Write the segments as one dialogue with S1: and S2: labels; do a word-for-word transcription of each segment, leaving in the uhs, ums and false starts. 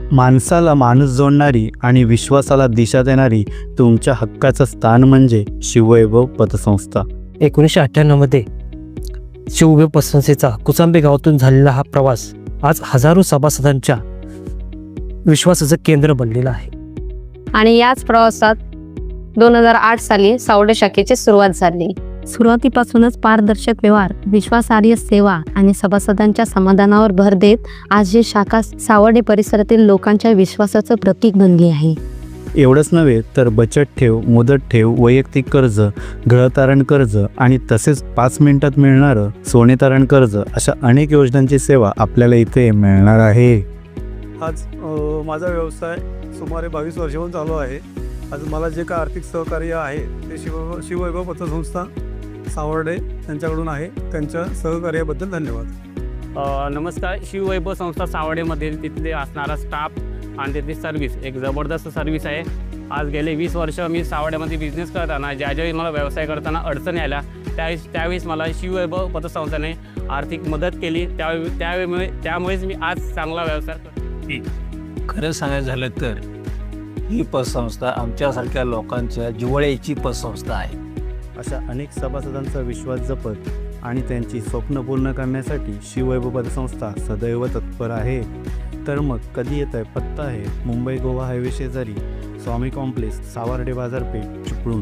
S1: माणसाला माणूस जोडणारी आणि विश्वासाला दिशा देणारी तुमच्या हक्काचं स्थान म्हणजे शिववैभव पतसंस्था.
S2: एकोणीसशे अठ्ठ्याण्णवमध्ये शिववैभव पतसंस्थेचा कुचांबे गावातून झालेला हा प्रवास आज हजारो सभासदांच्या विश्वासाचं केंद्र बनलेलं आहे.
S3: आणि याच प्रवासात दोन हजार आठ साली सावर्डे शाखेची सुरुवात झाली. सुरुवातीपासूनच पारदर्शक व्यवहार, विश्वासार्ह सेवा आणि सभासदांच्या समाधानावर भर देत आज ही शाखा सावर्डे परिसरातील लोकांच्या विश्वासाचं प्रतीक बनली आहे.
S1: एवढंच नव्हे तर बचत ठेव, मुदत ठेव, वैयक्तिक कर्ज, गृहतारण कर्ज आणि तसेच पाच मिनिटात मिळणारं सोने तारण कर्ज अशा अनेक योजनांची सेवा आपल्याला इथे मिळणार आहे.
S4: आज अ, माझा व्यवसाय सुमारे बावीस वर्षाहून चालू आहे. आज मला जे काय आर्थिक सहकार्य आहे ते शिव शिववैभव पतसंस्था सावर्डे यांच्याकडून आहे. त्यांच्या सहकार्याबद्दल धन्यवाद.
S5: अ, नमस्कार. शिववैभव संस्था सावर्डेमधील तिथले असणारा स्टाफ आणि तिथली सर्व्हिस एक जबरदस्त सर्व्हिस आहे. आज गेले वीस वर्ष मी सावर्ड्यामध्ये बिझनेस करताना ज्या ज्यावेळी मला व्यवसाय करताना अडचणी आल्या त्यावेळेस त्यावेळेस मला शिववैभव पतसंस्थेने आर्थिक मदत केली. त्यावेळी त्यावेळी त्यामुळेच मी आज चांगला व्यवसाय करतो.
S6: खरं सांगायचं झालं तर ही पतसंस्था आमच्यासारख्या लोकांच्या जिव्हाळ्याची पतसंस्था आहे.
S1: अशा अनेक सभासदांचा विश्वास जपत आणि त्यांची स्वप्न पूर्ण करण्यासाठी शिववैभव पतसंस्था सदैव तत्पर आहे. तर मग कधी येत आहे? पत्ता आहे मुंबई गोवा हायवे शेजारी स्वामी कॉम्प्लेक्स, सावर्डे बाजारपेठ, चिपळूण.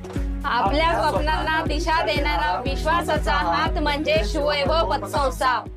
S3: आपल्या स्वप्नांना दिशा देणारा विश्वासाचा हात म्हणजे शिववैभव पतसंस्था.